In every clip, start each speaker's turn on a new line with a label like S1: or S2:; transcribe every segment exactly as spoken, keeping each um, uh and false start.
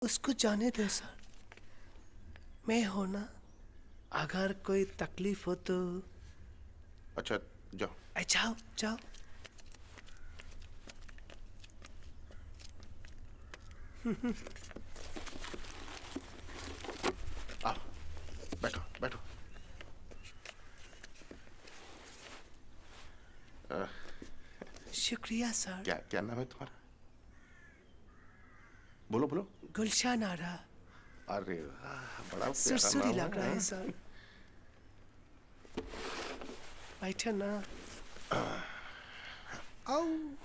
S1: उसको जाने दो सर, मैं हो ना, अगर कोई तकलीफ हो तो।
S2: अच्छा जाओ।
S1: ए, जाओ जाओ।
S2: आओ बैठो बैठो। आ,
S1: शुक्रिया सर।
S2: क्या क्या नाम है तुम्हारा? बोलो बोलो।
S1: गुलशन आरा।
S2: अरे वाह, बड़ा प्यारा
S1: सुरसुरी
S2: नाम
S1: लग रहा है सर। बैठे ना। आओ।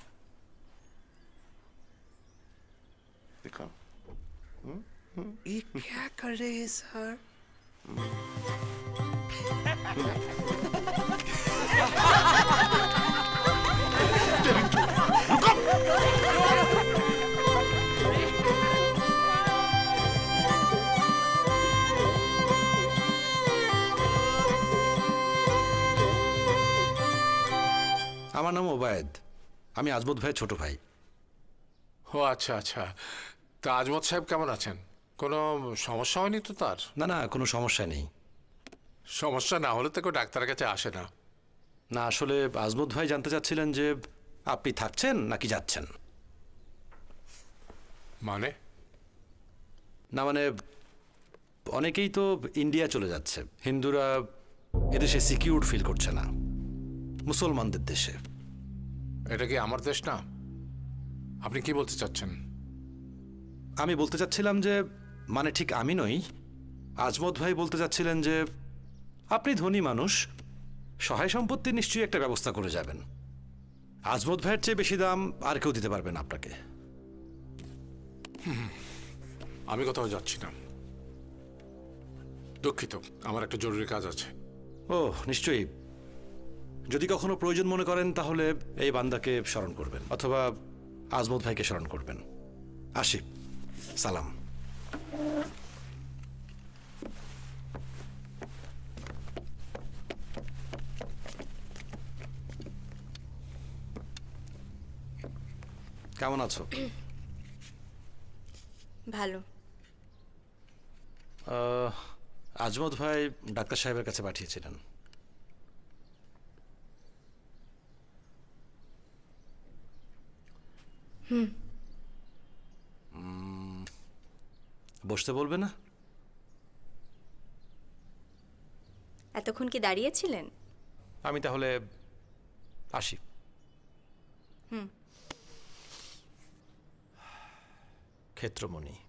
S2: दिखाओ।
S1: ये क्या कर रहे हैं सर?
S3: আমার নাম ওবায়দ, আমি আজমত ভাইয়ের ছোট ভাই।
S4: ও আচ্ছা আচ্ছা, তা আজমত সাহেব কেমন আছেন? কোনো সমস্যা হয়নি তো তার?
S3: না না, কোনো সমস্যা নেই।
S4: সমস্যা না হলে তো কেউ ডাক্তারের কাছে আসে না।
S3: না আসলে আজমত ভাই জানতে চাচ্ছিলেন যে আপনি থাকছেন নাকি যাচ্ছেন।
S4: মানে?
S3: না মানে অনেকেই তো ইন্ডিয়া চলে যাচ্ছে, হিন্দুরা এদেশে সিকিউর ফিল করছে না, মুসলমানদের দেশে।
S4: এটা কি আমার দেশ না? আপনি কি বলতে চাচ্ছেন?
S3: আমি বলতে চাচ্ছিলাম যে মানে ঠিক আমি নই, আজমত ভাই বলতে চাচ্ছিলেন যে আপনি ধনী মানুষ, সহায় সম্পত্তির নিশ্চয়ই একটা ব্যবস্থা করে যাবেন। আজমত ভাইয়ের চেয়ে বেশি দাম আর কেউ দিতে পারবেন আপনাকে।
S4: আমি কোথাও যাচ্ছি না, দুঃখিত, আমার একটা জরুরি কাজ আছে।
S3: ও নিশ্চয়ই, যদি কখনো প্রয়োজন মনে করেন তাহলে এই বান্দাকে স্মরণ করবেন অথবা আজমত ভাইকে স্মরণ করবেন। আসি, সালাম। কেমন আছো?
S5: ভালো।
S3: আজমত ভাই ডাক্তার সাহেবের কাছে পাঠিয়েছিলেন।
S5: হুম।
S3: বসতে বলবে না?
S5: এতক্ষণ কি দাঁড়িয়েছিলেন?
S3: আমি তাহলে আসি।
S5: হুম।
S3: ক্ষেত্রমণি।